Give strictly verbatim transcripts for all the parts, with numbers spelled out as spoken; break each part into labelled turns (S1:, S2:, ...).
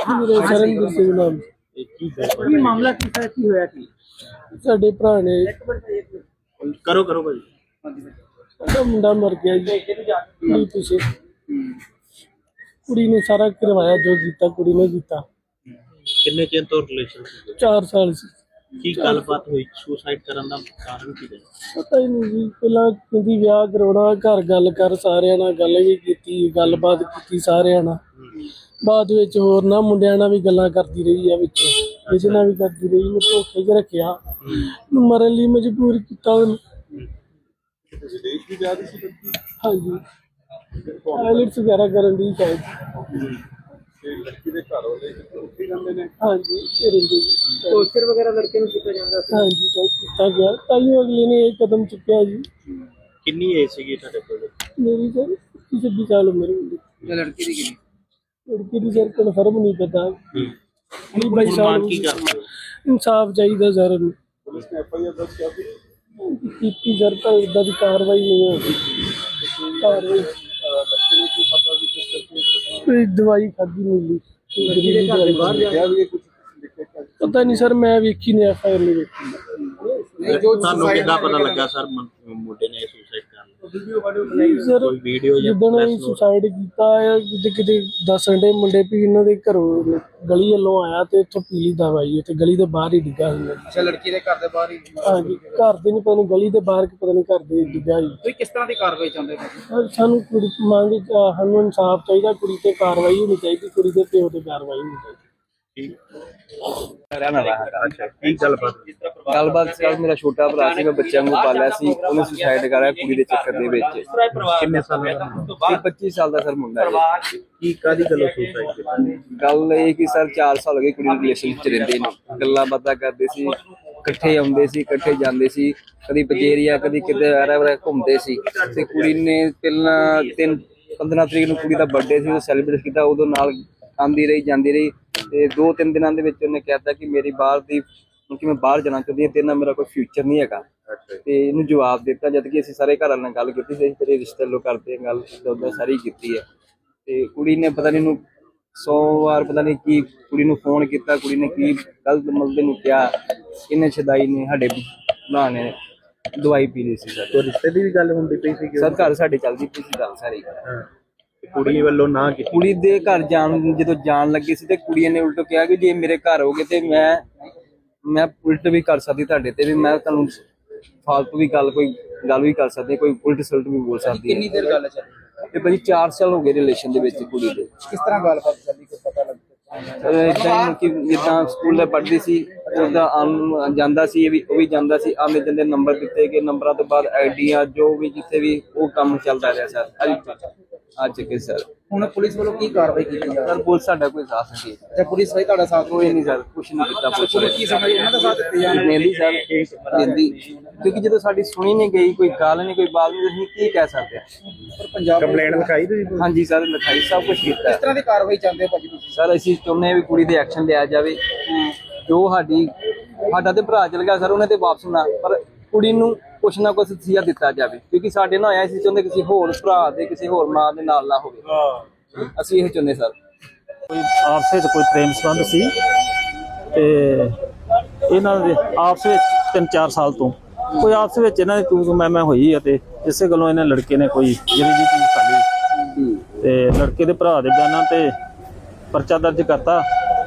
S1: मेरा शरणवीर सिंह नाम
S2: ਕੀ ਮਾਮਲਾ ਕੀ ਹੈ ਕੀ ਹੋਇਆ ਕੀ
S1: साडे भरा ने
S2: ਕਰੋ ਕਰੋ ਭਾਈ
S1: साडा मुंडा मर गया जी नहीं पीछे कुड़ी ने सारा करवाया जो कीता कुड़ी ने कीता
S2: ਕਿੰਨੇ ਚਿਰ ਤੋਂ ਰਿਲੇਸ਼ਨ
S1: चार साल से
S2: ਕੀ ਗੱਲਬਾਤ ਹੋਈ ਸੁਸਾਈਡ ਕਰਨ ਦਾ ਕਾਰਨ ਕੀ ਹੈ
S1: पता ही नहीं जी पहला कहती ब्याह करवाना घर गल कर सारिਆਂ ਨਾਲ ਗੱਲ ਵੀ ਕੀਤੀ ਗੱਲਬਾਤ ਕੀਤੀ ਸਾਰਿਆਂ ਨਾਲ ਬਾਅਦ ਵਿੱਚ ਹੋਰ ਨਾ ਮੁੰਡਿਆਂ ਨਾਲ ਵੀ ਗੱਲਾਂ ਕਰਦੀ ਰਹੀ ਆ ਵਿੱਚ ਕਿਸੇ ਨਾਲ ਵੀ ਕਰਦੀ ਰਹੀ ਮੈਂ ਧੋਖੇ 'ਚ ਰੱਖਿਆ ਮਰਨ ਲਈ ਮਜਬੂਰ ਕੀਤਾ ਉਹਨੂੰ ਹਾਂਜੀ ਆਈਲੈਟਸ ਵਗੈਰਾ ਕਰਨ ਦੀ ਸ਼ਾਇਦ ਹਾਂਜੀ
S2: ਟੌਰਚਰ ਵਗੈਰਾ ਲੜਕੇ ਨੂੰ ਕੀਤਾ ਜਾਂਦਾ ਸੀ
S1: ਹਾਂਜੀ ਤਾਂ ਕੀਤਾ ਗਿਆ ਤਾਈਓ ਅਗਲੇ ਨੇ ਇਹ ਕਦਮ ਚੁੱਕਿਆ ਜੀ
S2: ਕਿੰਨੀ ਏਜ ਸੀਗੀ ਤੁਹਾਡੇ ਕੋਲ
S1: ਮੇਰੀ ਸਰ ਛੱਬੀ ਸਾਲ ਉਮਰ ਹੁੰਦੀ
S2: ਤੇ ਲੜਕੀ ਦੀ ਕਿੰਨੀ
S1: ਲੜਕੀ ਦੀ ਸਰ ਕਨਫਰਮ ਨਹੀਂ ਪਤਾ ਵੀਹ ਬਾਈ ਸਾਲ
S2: ਮੰਗ ਕੀ ਕਰਦੇ ਹੋ
S1: ਇਨਸਾਫ ਚਾਹੀਦਾ ਸਰ ਪੁਲਿਸ ਨੇ ਐਫ ਆਈ ਆਰ ਦਰਜ ਕੀਤੀ ਸਰ ਤਾਂ ਇਦਾਂ ਦੀ ਕਾਰਵਾਈ ਨਹੀਂ ਹੋਈ ਕਾਰਵਾਈ ਕੋਈ ਦਵਾਈ ਖਾਦੀ ਮਿਲੀ ਪਤਾ ਨਹੀਂ ਸਰ ਮੈਂ ਵੇਖੀ ਨਹੀਂ ਐਫ ਆਈ ਆਰ ਨਹੀਂ ਵੇਖੀ
S2: ਤੁਹਾਨੂੰ ਕਿੱਦਾਂ ਪਤਾ ਲੱਗਾ ਸਰ ਮੁੰਡੇ ਨੇ ਸੁਸਾਈਡ ਕਰ ਲਿਆ
S1: ਸਰ
S2: ਕੋਈ ਵੀਡੀਓ ਜਾਂ
S1: ਜਦੋਂ ਇਹ ਸੁਸਾਈਡ ਕੀਤਾ ਹੈ ਕਿਤੇ ਕਿਤੇ ਦੱਸਣ ਦੇ ਮੁੰਡੇ ਵੀ ਇਹਨਾਂ ਦੇ ਘਰੋਂ ਗਲੀ ਵੱਲੋਂ ਆਇਆ ਤੇ ਇੱਥੋਂ ਪੀਲੀ ਦਵਾਈ ਤੇ ਗਲੀ ਦੇ ਬਾਹਰ ਹੀ ਡਿੱਗਾ ਹੁੰਦਾ
S2: ਅੱਛਾ ਲੜਕੀ ਦੇ ਘਰ ਦੇ ਬਾਹਰ ਹੀ
S1: ਹਾਂਜੀ ਘਰ ਦੇ ਨਹੀਂ ਪਤਾ ਨਹੀਂ ਗਲੀ ਦੇ ਬਾਹਰ ਕਿ ਪਤਾ ਨਹੀਂ ਘਰ ਦੇ ਡਿੱਗਾ ਹੀ
S2: ਤੁਸੀਂ ਕਿਸ ਤਰ੍ਹਾਂ ਦੀ ਕਾਰਵਾਈ ਚਾਹੁੰਦੇ ਹੋ
S1: ਸਾਨੂੰ ਕੁੜੀ ਮੰਗ ਸਾਨੂੰ ਇਨਸਾਫ ਚਾਹੀਦਾ ਕੁੜੀ ਤੇ ਕਾਰਵਾਈ ਹੋਣੀ ਚਾਹੀਦੀ ਕੁੜੀ ਦੇ ਪਿਓ ਤੇ ਕਾਰਵਾਈ ਹੋਣੀ ਚਾਹੀਦੀ
S2: ਅੱਛਾ ਕੀ ਗੱਲਬਾਤ
S3: ਗੱਲਬਾਤ ਸਰ ਮੇਰਾ ਛੋਟਾ ਭਰਾ ਸੀ ਮੈਂ ਬੱਚਿਆਂ ਨੂੰ ਪਾਲਿਆ ਸੀ ਉਹਨੇ ਸੁਸਾਈਡ ਕਰਾਇਆ ਕੁੜੀ ਦੇ ਚੱਕਰ ਦੇ ਵਿੱਚ
S2: ਕਿੰਨੇ ਸਾਲ ਦਾ
S3: ਪੱਚੀ ਸਾਲ ਦਾ ਸਰ ਮੁੰਡਾ ਹੈ
S2: ਕੀ ਕਾਦੀ ਗੱਲੋਂ ਸੁਸਾਈਡ ਕੀਤੀ
S3: ਗੱਲ ਇਹ ਕਿ ਸਰ ਚਾਰ ਸਾਲ ਹੋ ਗਏ ਕੁੜੀ ਨੂੰ ਰਿਲੇਸ਼ਨ ਚ ਰਹਿੰਦੇ ਨੇ ਗੱਲਾਂ ਬਾਤਾਂ ਕਰਦੇ ਸੀ ਇਕੱਠੇ ਆਉਂਦੇ ਸੀ ਇਕੱਠੇ ਜਾਂਦੇ ਸੀ ਕਦੀ ਪਜੇਰੀਆ ਕਦੀ ਕਿਤੇ ਆਰਾ ਵਰਾ ਘੁੰਮਦੇ ਸੀ ਤੇ ਕੁੜੀ ਨੇ ਪਹਿਲਾਂ ਤਿੰਨ ਪੰਦਰਾਂ ਤਰੀਕ ਨੂੰ ਕੁੜੀ ਦਾ ਬਰਥਡੇ ਸੀ ਉਹ ਸੈਲੀਬ੍ਰੇਟ ਕੀਤਾ ਉਦੋਂ ਨਾਲ ਆਉਂਦੀ ਰਹੀ ਜਾਂਦੀ ਰਹੀ ਤੇ ਦੋ ਤਿੰਨ ਦਿਨਾਂ ਦੇ ਵਿੱਚ ਉਹਨੇ ਕਹਿਤਾ ਕਿ ਮੇਰੀ ਬਾਹਰ ਦੀ ਕਿ ਮੈਂ ਬਾਹਰ ਜਾਣਾ ਚਾਹੁੰਦੀ ਹਾਂ ਤੇਰੇ ਨਾਲ ਮੇਰਾ ਕੋਈ ਫਿਊਚਰ ਨਹੀਂ ਹੈਗਾ ਤੇ ਇਹਨੂੰ ਜਵਾਬ ਦਿੱਤਾ ਜਦ ਕਿ ਅਸੀਂ ਸਾਰੇ ਘਰ ਵਾਲਿਆਂ ਨਾਲ ਗੱਲ ਕੀਤੀ ਸੀ ਤੇਰੇ ਰਿਸ਼ਤੇ ਲੋ ਕਰਦੇ ਗੱਲ ਉਦਾਂ ਸਾਰੀ ਕੀਤੀ ਹੈ ਤੇ ਕੁੜੀ ਨੇ ਪਤਾ ਨਹੀਂ ਇਹਨੂੰ ਸੌ ਵਾਰ ਪਤਾ ਨਹੀਂ ਕੀ ਕੁੜੀ ਨੂੰ ਫੋਨ ਕੀਤਾ ਕੁੜੀ ਨੇ ਕੀ ਗਲਤ ਮਲਦੇ ਨੂੰ ਕਿਹਾ ਇਹਨੇ ਛਦਾਈ ਨੇ ਸਾਡੇ ਭਰਾ ਨੇ ਦਵਾਈ ਪੀ ਲਈ ਸੀ ਸਰ
S2: ਰਿਸ਼ਤੇ ਦੀ ਵੀ ਗੱਲ ਹੁੰਦੀ ਪਈ ਸੀ
S3: ਸਰ ਘਰ ਸਾਡੇ ਚੱਲਦੀ ਪਈ ਸੀ ਗੱਲ ਸਾਰੀ
S2: ਕੁੜੀ ਵੱਲੋਂ ਨਾ ਕੀਤੀ
S3: ਕੁੜੀ ਦੇ ਘਰ ਜਾਣ ਜਦੋਂ ਜਾਣ ਲੱਗੀ ਸੀ ਤੇ ਕੁੜੀ ਨੇ ਉਲਟ ਕਿਹਾ ਕਿ ਜੇ ਮੇਰੇ ਘਰ ਹੋਗੇ ਤੇ ਮੈਂ ਮੈਂ ਉਲਟ ਵੀ ਕਰ ਸਕਦੀ ਤੁਹਾਡੇ ਤੇ ਵੀ ਮੈਂ ਤੁਹਾਨੂੰ ਫਾਲਤੂ ਵੀ ਗੱਲ ਕੋਈ ਗੱਲ ਵੀ ਕਰ ਸਕਦੀ ਕੋਈ ਉਲਟ ਸਲਟ ਵੀ ਬੋਲ ਸਕਦੀ
S2: ਕਿੰਨੀ ਦੇਰ ਗੱਲ ਚੱਲੀ
S3: ਤੇ ਭਾਜੀ ਚਾਰ ਸਾਲ ਹੋ ਗਏ ਰਿਲੇਸ਼ਨ ਦੇ ਵਿੱਚ ਕੁੜੀ ਦੇ
S2: ਕਿਸ ਤਰ੍ਹਾਂ ਗੱਲਬਾਤ ਚੱਲੀ ਕੁਝ ਪਤਾ ਲੱਗਾ
S3: ਇਦਾਂ ਕਿ ਜਿੱਦਾਂ ਸਕੂਲ ਦੇ ਪੜ੍ਹਦੀ ਸੀ ਉਹਦਾ ਜਾਂਦਾ ਸੀ ਇਹ ਵੀ ਉਹ ਵੀ ਜਾਂਦਾ ਸੀ ਆਉਂਦੇ ਜਾਂਦੇ ਨੰਬਰ ਦਿੱਤੇ ਗਏ ਨੰਬਰਾਂ ਤੋਂ ਬਾਅਦ ਆਈਡੀਆਂ ਜੋ ਵੀ ਜਿੱਥੇ ਵੀ ਉਹ ਕੰਮ ਚੱਲਦਾ ਰਿਹਾ ਸਰ ਅੱਜ ਕੇ ਸਰ
S2: ਹੁਣ ਪੁਲਿਸ ਵੱਲੋਂ ਕੀ ਕਾਰਵਾਈ ਕੀਤੀ ਜਾ
S3: ਸਰ ਪੁਲਿਸ ਸਾਡਾ ਕੋਈ ਸਾਥ ਨਹੀਂ ਦੇ
S2: ਤੇ ਪੁਲਿਸ ਵੀ ਤੁਹਾਡਾ ਸਾਥ
S3: ਕੋਈ ਨਹੀਂ ਸਰ ਕੁਛ ਨਹੀਂ ਕੀਤਾ ਪੁਲਿਸ
S2: ਕੀ ਸਮਝ ਉਹਨਾਂ ਦਾ ਸਾਥ ਦਿੱਤੇ ਜਾ
S3: ਦਿੰਦੀ ਸਰ ਦਿੰਦੀ ਕਿਉਂਕਿ ਜਦੋਂ ਸਾਡੀ ਸੁਣੀ ਨਹੀਂ ਗਈ ਕੋਈ ਗੱਲ ਨਹੀਂ ਕੋਈ ਬਾਤ ਨਹੀਂ ਅਸੀਂ ਕੀ ਕਹਿ ਸਕਦੇ
S2: ਪਰ ਪੰਜਾਬ ਕੰਪਲੇਂਟ ਲਿਖਾਈ ਤੁਸੀਂ
S3: ਹਾਂਜੀ ਸਰ ਲਿਖਾਈ ਸਭ ਕੁਝ ਕੀਤਾ
S2: ਕਿਸ ਤਰ੍ਹਾਂ ਦੀ ਕਾਰਵਾਈ ਚਾਹੁੰਦੇ ਭਾਜੀ ਤੁਸੀਂ
S3: ਸਰ ਅਸੀਂ ਚਾਹੁੰਦੇ ਹਾਂ ਵੀ ਕੁੜੀ ਦੇ ਐਕਸ਼ਨ ਲਿਆ ਜਾਵੇ ਜੋ ਸਾਡੀ ਸਾਡਾ ਤੇ ਭਰਾ ਚਲ ਗਿਆ ਸਰ ਉਹਨੇ ਤੇ ਵਾਪਸ ਨਾ ਪਰ ਕੁੜੀ ਨੂੰ ਕੁਛ ਨਾ ਕੁਛ ਸਿਆ ਦਿੱਤਾ ਜਾਵੇ ਕਿਉਂਕਿ ਸਾਡੇ ਨਾਲ ਆਇਆ ਸੀ ਚਾਹੁੰਦੇ ਕਿਸੇ ਹੋਰ ਭਰਾ ਦੇ ਕਿਸੇ ਹੋਰ ਮਾਂ ਦੇ ਨਾਲ ਨਾ ਹੋਵੇ ਅਸੀਂ ਇਹ ਚਾਹੁੰਦੇ ਸਰ
S4: ਕੋਈ ਆਪਸ ਵਿੱਚ ਕੋਈ ਪ੍ਰੇਮ ਸੰਬੰਧ ਸੀ ਤੇ ਇਹਨਾਂ ਦੇ ਆਪਸ ਵਿੱਚ ਤਿੰਨ ਚਾਰ ਸਾਲ ਤੋਂ ਕੋਈ ਆਪਸ ਵਿੱਚ ਇਹਨਾਂ ਦੀ ਤੂੰ ਤੂੰ ਮੈਂ ਮੈਂ ਹੋਈ ਆ ਤੇ ਇਸੇ ਗੱਲੋਂ ਇਹਨੇ ਲੜਕੇ ਨੇ ਕੋਈ ਜਿਹੜੀ ਜੀ ਚੀਜ਼ ਕਰ ਲਈ ਤੇ ਲੜਕੇ ਦੇ ਭਰਾ ਦੇ ਬਿਆਨਾਂ ਤੇ ਪਰਚਾ ਦਰਜ ਕਰਤਾ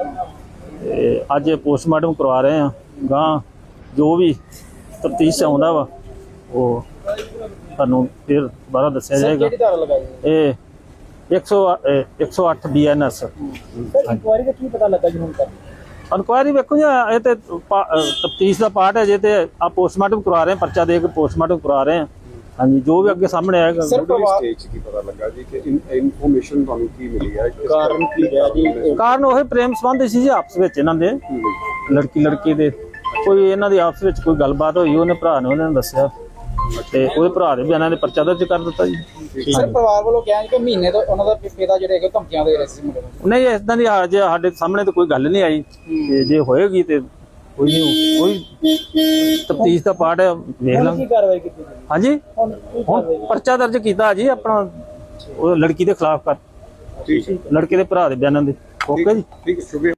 S4: ਤੇ ਅੱਜ ਪੋਸਟਮਾਰਟਮ ਕਰਵਾ ਰਹੇ ਆ ਗਾਂ ਜੋ ਵੀ ਤਫਤੀਸ਼ ਆਉਂਦਾ ਵਾ ਉਹ ਤੁਹਾਨੂੰ ਫਿਰ ਦੁਬਾਰਾ ਦੱਸਿਆ ਜਾਏਗਾ
S2: ਕਿਹੜੀ ਧਾਰਾ ਲਗਾਈ
S4: ਇਹ ਇੱਕ ਸੌ ਅੱਠ ਬੀ ਐਨ ਐਸ
S2: ਇਨਕੁਆਇਰੀ ਦਾ ਕੀ ਪਤਾ ਲੱਗਾ ਜੀ ਹੁਣ ਤੱਕ
S4: ਇਨਕੁਆਇਰੀ ਵੇਖੋ ਜੀ ਇਹ ਤੇ ਤਫਤੀਸ਼ ਦਾ ਪਾਰਟ ਹੈ ਜੇ ਤੇ ਆ ਪੋਸਟਮਾਰਟਮ ਕਰਵਾ ਰਹੇ ਪਰਚਾ ਦੇ ਕੇ ਪੋਸਟਮਾਰਟਮ ਕਰਵਾ ਰਹੇ ਆ ਹਾਂਜੀ ਜੋ ਵੀ ਅੱਗੇ ਸਾਹਮਣੇ ਆਏਗਾ
S5: ਸਟੇਜ ਕੀ ਪਤਾ ਲੱਗਾ ਜੀ ਕਿ ਇਨਫੋਰਮੇਸ਼ਨ ਤੁਹਾਨੂੰ ਕੀ ਮਿਲੀ ਹੈ
S2: ਕਾਰਨ ਕੀ ਹੈ ਜੀ
S4: ਕਾਰਨ ਉਹ ਪ੍ਰੇਮ ਸੰਬੰਧ ਸੀ ਜੀ ਆਪਸ ਵਿੱਚ ਇਹਨਾਂ ਦੇ ਲੜਕੀ ਲੜਕੀ ਦੇ ਕੋਈ ਇਹਨਾਂ ਦੀ ਆਪਸ ਵਿੱਚ ਕੋਈ ਗੱਲਬਾਤ ਹੋਈ ਉਹਨੇ ਭਰਾ ਨੇ ਉਹਨਾਂ ਨੂੰ ਦੱਸਿਆ ਤੇ ਉਹਦੇ ਭਰਾ ਦੇ ਬਿਆਨਾਂ ਦੇ ਪਰਚਾ ਦਰਜ ਕਰ ਦਿੱਤਾ ਜੀ
S2: ਸਰ ਪਰਿਵਾਰ ਵੱਲੋਂ ਕਿਹਾ ਕਿ ਮਹੀਨੇ ਤੋਂ ਉਹਨਾਂ ਦਾ ਪਿਤਾ ਜਿਹੜੇ ਹੈਗੇ ਧਮਕੀਆਂ ਦੇ ਰਹੇ ਸੀ ਮੁੰਡੇ ਨੂੰ
S4: ਨਹੀਂ ਇਦਾਂ ਦੀ ਜੇ ਸਾਡੇ ਸਾਹਮਣੇ ਤਾਂ ਕੋਈ ਗੱਲ ਨਹੀਂ ਆਈ ਤੇ ਜੇ ਹੋਏਗੀ ਤੇ ਕੋਈ ਨਹੀਂ ਕੋਈ ਤਫਤੀਸ਼ ਦਾ ਪਾਰਟ ਹੈ ਵੇਖ ਲਾਂਗੇ
S2: ਕੀ ਕਾਰਵਾਈ ਕੀਤੀ
S4: ਹਾਂਜੀ ਹੁਣ ਪਰਚਾ ਦਰਜ ਕੀਤਾ ਜੀ ਆਪਣਾ ਉਹ ਲੜਕੀ ਦੇ ਖਿਲਾਫ ਕਰ ਲੜਕੇ ਦੇ ਭਰਾ ਦੇ ਬਿਆਨਾਂ ਦੇ ਓਕੇ ਜੀ।
S5: ਠੀਕ ਹੈ, ਸ਼ੁਕਰੀਆ।